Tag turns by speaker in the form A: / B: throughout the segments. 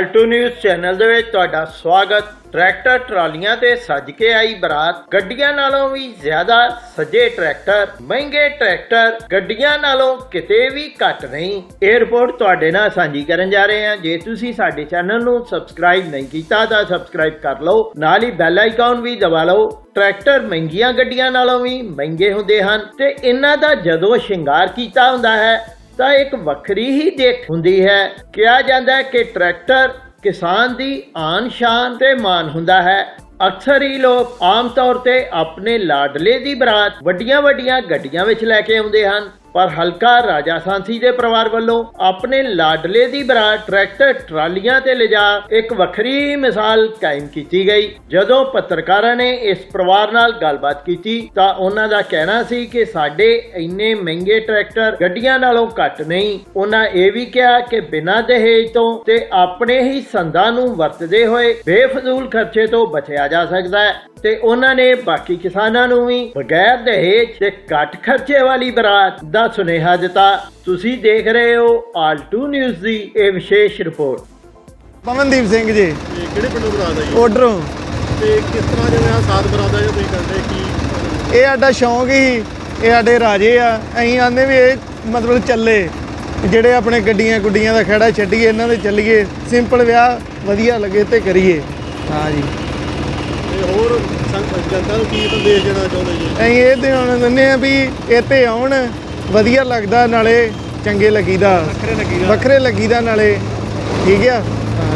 A: Alt news channel ਦੇ ਵਿੱਚ ਤੁਹਾਡਾ ਸਵਾਗਤ। ट्रैक्टर ट्रालियां ते सज के आई बरात। गड्डियां नालों भी ज्यादा सजे ट्रैक्टर, महंगे ट्रैक्टर गड्डियां नालों किते भी घट नहीं। ये रिपोर्ट तुहाडे नाल सांझी करन जा रहे हैं। जे तुसी साडे चैनल नूं सबसक्राइब नहीं कीता तां सबसक्राइब कर लो, नाल ही बैल आइकॉन भी दबा लो। ट्रैक्टर महंगियां गड्डियां नालों भी महंगे हुंदे हन ते इन्हां दा जदों शिंगार कीता हुंदा है तां एक वखरी ही देख हुंदी है। कहा जांदा है कि ट्रैक्टर किसान दी आन शान ते मान हुंदा है। अक्सर ही लोग आम तौर ते अपने लाडले दी बरात वड्डियां वड्डियां गड्डियां विच लैके आउंदे हन, पर हलका राजा सांसी दे परिवार वालों अपने लाडले दी बरात ट्रैक्टर ट्रालियां ते लिजा एक वखरी मिसाल कायम की गई। जदों पत्रकारां ने इस परिवार नाल गलबात की तां उन्हां दा कहना सी कि साडे इन्ने महंगे ट्रैक्टर गड्डियां नालों घट नहीं। उन्हां ये भी कहा कि बिना दहेज तो ते अपने ही संदां नूं वरतदे होए बेफजूल खर्चे तो बचिया जा सकदा है ते उन्हां ने बाकी किसानां नूं भी बगैर दहेज ते घट खर्चे वाली बरात दा सुनेहा दिता। तुसी देख रहे हो आलटू न्यूज़ दी ये विशेष रिपोर्ट।
B: पवनदीप सिंह जी
C: ਕਿਹੜੇ ਪਿੰਡੋਂ ਬਰਾਤ ਆਈ
B: ਉਧਰੋਂ
C: ਤੇ ਕਿਸ ਤਰ੍ਹਾਂ ਜਿਵੇਂ ਆ ਸਾਥ ਬਰਾਤ ਆਇਆ ਤੁਸੀਂ ਕਰਦੇ ਕੀ
B: ਇਹ ਸਾਡਾ ਸ਼ੌਂਕ ਹੀ ਇਹ ਸਾਡੇ ਰਾਜੇ ਆ। ਅਸੀਂ ਆਂਦੇ ਵੀ ਇਹ ਮਤਲਬ ਚੱਲੇ ਜਿਹੜੇ ਆਪਣੇ ਗੱਡੀਆਂ ਗੁੱਡੀਆਂ ਦਾ ਖੜਾ ਛੱਡੀਏ ਇਹਨਾਂ ਦੇ ਚੱਲੀਏ, ਸਿੰਪਲ ਵਿਆਹ ਵਧੀਆ ਲੱਗੇ ਤੇ ਕਰੀਏ। ਹਾਂ ਜੀ,
C: ਤੇ ਹੋਰ ਜਨਤਾ ਨੂੰ ਕੀ ਸੰਦੇਸ਼ ਦੇਣਾ ਚਾਹੁੰਦੇ ਜੀ?
B: ਅਸੀਂ ਇਹ ਦੇਣਾ ਚਾਹੁੰਦੇ ਆ ਵੀ ਇੱਥੇ ਆਉਣ, ਵਧੀਆ ਲੱਗਦਾ, ਨਾਲੇ ਚੰਗੇ ਲੱਗੀਦਾ, ਵੱਖਰੇ ਲੱਗੀਦਾ ਨਾਲੇ। ਠੀਕ ਆ।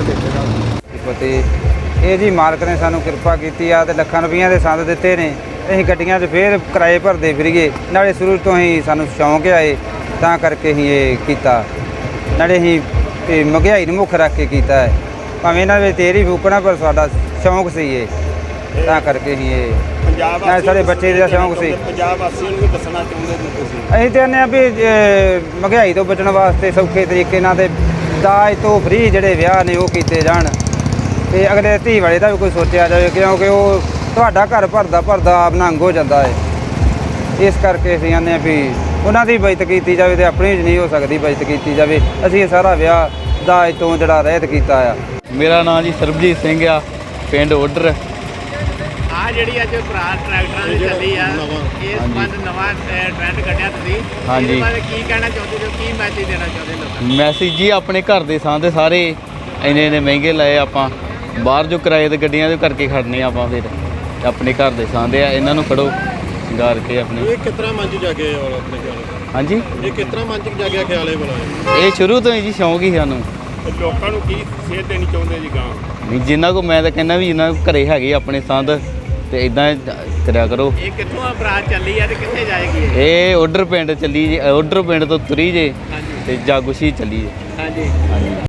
D: ਪਤੀ ਇਹ ਜੀ ਮਾਲਕ ਨੇ ਸਾਨੂੰ ਕਿਰਪਾ ਕੀਤੀ ਆ ਤੇ ਲੱਖਾਂ ਰੁਪਈਆਂ ਦੇ ਸੰਦ ਦਿੱਤੇ ਨੇ। ਅਸੀਂ ਗੱਡੀਆਂ 'ਚ ਫੇਰ ਕਿਰਾਏ ਭਰਦੇ ਫਿਰੀਏ, ਨਾਲੇ ਸ਼ੁਰੂ ਤੋਂ ਹੀ ਸਾਨੂੰ ਸ਼ੌਂਕ ਆਏ ਤਾਂ ਕਰਕੇ ਹੀ ਇਹ ਕੀਤਾ। ਨਾਲੇ ਅਸੀਂ ਇਹ ਮਹਿੰਗਾਈ ਨੂੰ ਮੁੱਖ ਰੱਖ ਕੇ ਕੀਤਾ ਹੈ, ਭਾਵੇਂ ਇਹਨਾਂ ਵਿੱਚ ਤੇਰੀ ਫੂਕਣਾ ਪਰ ਸਾਡਾ ਸ਼ੌਂਕ ਸੀ ਇਹ, ਤਾਂ ਕਰਕੇ ਹੀ ਇਹ ਨਾਲ ਸਾਡੇ ਬੱਚੇ ਦਾ ਸ਼ੌਂਕ ਸੀ।
C: ਪੰਜਾਬ ਵਾਸੀਆਂ ਨੂੰ ਵੀ ਦੱਸਣਾ ਚਾਹੁੰਦੇ ਨੇ ਤੁਸੀਂ?
D: ਅਸੀਂ ਚਾਹੁੰਦੇ ਹਾਂ ਵੀ ਮਹਿੰਗਾਈ ਤੋਂ ਬਚਣ ਵਾਸਤੇ ਸੌਖੇ ਤਰੀਕੇ ਨਾਲ ਤੇ ਦਾਜ ਤੋਂ ਫਰੀ ਜਿਹੜੇ ਵਿਆਹ ਨੇ ਉਹ ਕੀਤੇ ਜਾਣ ਤੇ ਅਗਲੇ ਧੀ ਵਾਲੇ ਦਾ ਵੀ ਕੋਈ ਸੋਚਿਆ ਜਾਵੇ, ਕਿਉਂਕਿ ਉਹ ਤੁਹਾਡਾ ਘਰ ਭਰਦਾ ਭਰਦਾ ਆਪ ਨੰਗ ਹੋ ਜਾਂਦਾ ਹੈ। ਇਸ ਕਰਕੇ ਅਸੀਂ ਕਹਿੰਦੇ ਹਾਂ ਵੀ ਉਹਨਾਂ ਦੀ ਬਚਤ ਕੀਤੀ ਜਾਵੇ ਤੇ ਆਪਣੀ ਨਹੀਂ ਹੋ ਸਕਦੀ ਬਚਤ ਕੀਤੀ ਜਾਵੇ। ਅਸੀਂ ਇਹ ਸਾਰਾ ਵਿਆਹ ਦਾਜ ਤੋਂ ਜਿਹੜਾ ਰਹਿਤ ਕੀਤਾ ਆ।
E: ਮੇਰਾ ਨਾਮ ਜੀ ਸਰਬਜੀਤ ਸਿੰਘ ਆ, ਪਿੰਡ ਓਡਰ।
F: ਆ ਜਿਹੜੀ ਅੱਜ ਬਰਾਤ ਟਰੈਕਟਰਾਂ ਦੀ ਚੱਲੀ ਆ, ਇਹ ਸੰਬੰਧ ਨਵਾਂ ਟ੍ਰੈਂਡ ਕੱਢਿਆ ਤੁਸੀਂ, ਇਹਦੇ ਬਾਰੇ ਕੀ ਕਹਿਣਾ ਚਾਹੁੰਦੇ ਹੋ, ਕੀ ਮੈਸੇਜ ਦੇਣਾ ਚਾਹੁੰਦੇ ਲੋਕਾਂ ਨੂੰ?
E: ਮੈਸੇਜ ਜੀ ਆਪਣੇ ਘਰ ਦੇ ਸਾਂਦੇ ਸਾਰੇ ਇੰਨੇ ਮਹਿੰਗੇ ਲਏ ਆਪਾਂ, ਬਾਹਰ ਜੋ ਕਿਰਾਏ ਤੇ ਗੱਡੀਆਂ ਦੇ ਕਰਕੇ ਖੜਨੇ ਆਪਾਂ, ਫਿਰ ਆਪਣੇ ਘਰ ਦੇ ਸਾਂਦੇ ਆ, ਇਹਨਾਂ ਨੂੰ ਫੜੋ ਸ਼ਿੰਗਾਰ ਕੇ ਆਪਣੇ।
C: ਇਹ ਕਿਸ ਤਰ੍ਹਾਂ ਮਨ 'ਚ ਜਾਗਿਆ ਆਪਣੇ ਖਿਆਲ?
E: ਹਾਂਜੀ,
C: ਇਹ ਕਿਸ ਤਰ੍ਹਾਂ ਮਨ 'ਚ ਜਾਗਿਆ ਖਿਆਲ ਇਹ ਬਣਾਇਆ?
E: ਇਹ ਸ਼ੁਰੂ ਤੋਂ ਹੀ ਜੀ ਸ਼ੌਂਕ ਹੀ ਸਾਨੂੰ।
C: ਲੋਕਾਂ ਨੂੰ ਕੀ ਸੇਧ ਦੇਣੀ ਚਾਹੁੰਦੇ ਜੀ ਗਾਂ?
E: ਨਹੀਂ, ਜਿਨ੍ਹਾਂ ਕੋ ਮੈਂ ਤਾਂ ਕਹਿੰਦਾ ਵੀ ਜਿਨ੍ਹਾਂ ਕੋ ਘਰੇ ਹੈਗੇ ਆਪਣੇ ਸੰਦ ਤੇ ਇਦਾਂ ਕਰਿਆ ਕਰੋ।
F: ਇਹ ਕਿੱਥੋਂ ਆ ਬਰਾਤ ਚੱਲੀ ਆ ਤੇ ਕਿੱਥੇ ਜਾਏਗੀ
E: ਇਹ ਓਡਰ ਪਿੰਡ ਚੱਲੀ ਜੇ, ਓਡਰ ਪਿੰਡ ਤੋਂ ਤੁਰੀ ਜੇ
F: ਹਾਂਜੀ
E: ਤੇ ਜਾਗੂਸ਼ੀ ਚੱਲੀ ਜੇ।
F: ਹਾਂਜੀ।
E: ਹਾਂਜੀ।